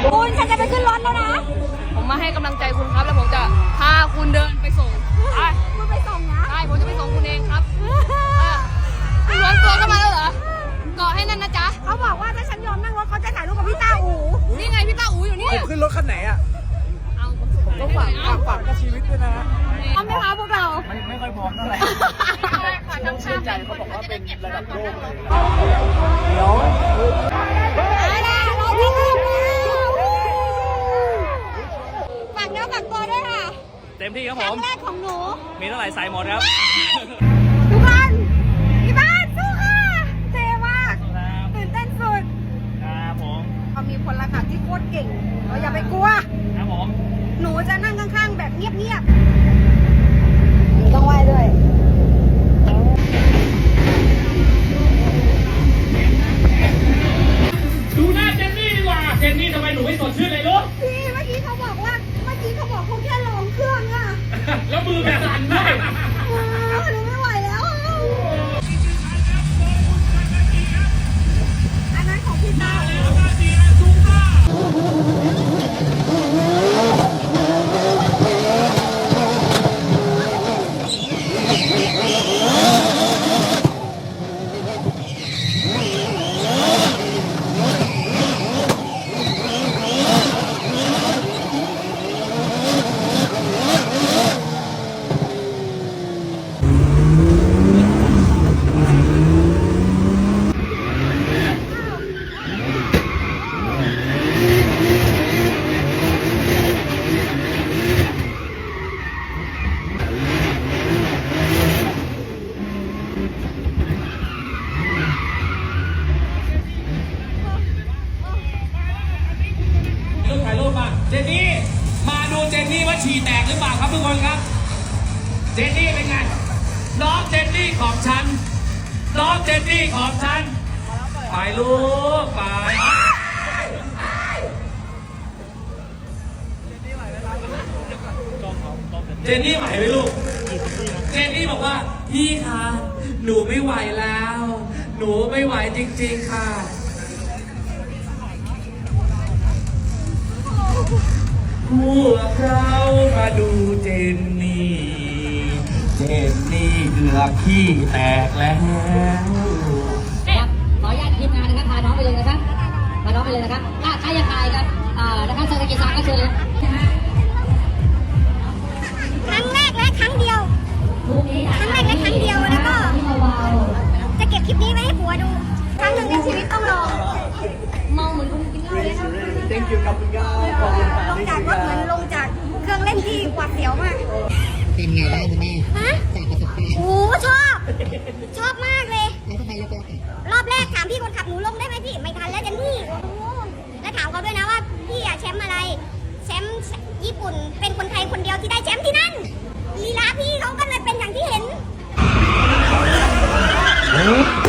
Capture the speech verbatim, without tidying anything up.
คุณฉันจะไปขึ้นรถแล้วนะผมมาให้กำลังใจคุณครับแล้วผมจะพาคุณเดินไปส่งไปคุณไปส่งนะใช่ผมจะไปส่งคุณเองครับคุณล้วนตัวเข้ามาแล้วเหรอเกาะให้นั่นนะจ๊ะเขาบอกว่าถ้าฉันยอมนั่งรถเขาจะถ่ายรูปกับพี่ต้าอู๋นี่ไงพี่ต้าอู๋อยู่นี่ขึ้นรถคันไหนอ่ะเอาผมต้องฝากฝากกับชีวิตด้วยนะพร้อมไหมคะพวกเราไม่ไม่ค่อยพร้อมเท่าไหร่ต้องเชื่อใจเขาบอกว่าเป็นระดับโลกเลยเดี๋ยวฝากเนื้อฝากตัวด้วยค่ะเต็มที่ครับผมครั้งแรกของหนูมีเท่าไหร่ใส่หมดครับทุกคนพี่บ้านสู้ค่ะเท่มากตื่นเต้นสุดครับผมเขามีพลขับที่โคตรเก่งเราอย่าไปกลัวครับผมหนูจะนั่งข้างๆแบบเงียบๆหนูต้องไหว้ด้วยดูหน้าเจนนี่ดีกว่าเจนนี่ทำไมหนูไม่สดชื่นเลยลูกพี่เมื่อกี้เขาบอกว่าเมื่อกี้เขาบอกเขาแค่ลองเครื่องอะแล้วมือแบบสั่นด้วยหนูไม่ไหวแล้วอันนั้นของพี่ต้าถ่ายรูปมาเจนนี่มาดูเจนนี่ว่าฉี่แตกหรือเปล่าครับทุกคนครับเจนนี่เป็นไงน้องเจนนี่ของฉันน้องเจนนี่ของฉันไปลูกไปเจนนี่ไหวไหมลูกเจนนี่บอกว่าพี่คะหนูไม่ไหวแล้วหนูไม่ไหวจริงๆค่ะพวกเรามาดูเจนนี่เจนนี่เกือบขี้แตกแล้วขออนุญาตทีมงานนะครับพาน้องไปเลยนะครับพาน้องไปเลยนะครับอ่ะใครอยากถ่ายครับอ่านะครับเศรษฐกิจศาสตร์ก็เชิญเลยครั้งแรกและครั้งเดียวครั้งแรกและครั้งเดียวแล้วก็จะเก็บคลิปนี้ไว้ให้ผัวดูครั้งหนึ่งในชีวิตต้องลองเมาเหมือนคนกินเหล้าเลยนะ thank you ครับคุณก้าวขอบคุณค่ะลงจากรถเหมือนลงจากเครื่องเล่นที่หวาดเสียวมากเป็นไงบ้างคุณแม่ฮะจากประสบการณ์โอ้ชอบชอบมากเลยแล้วทำไมเลือกเลือกรอบแรกถามพี่คนขับหนูลงได้ไหมพี่ไม่ทันแล้วเจนนี่แล้วถามเขาด้วยนะว่าพี่อะแชมป์อะไรแชมป์ญี่ปุ่นเป็นคนไทยคนเดียวที่ได้แชมป์ที่นั่นลีลาพี่เขาก็เลยเป็นอย่างที่เห็น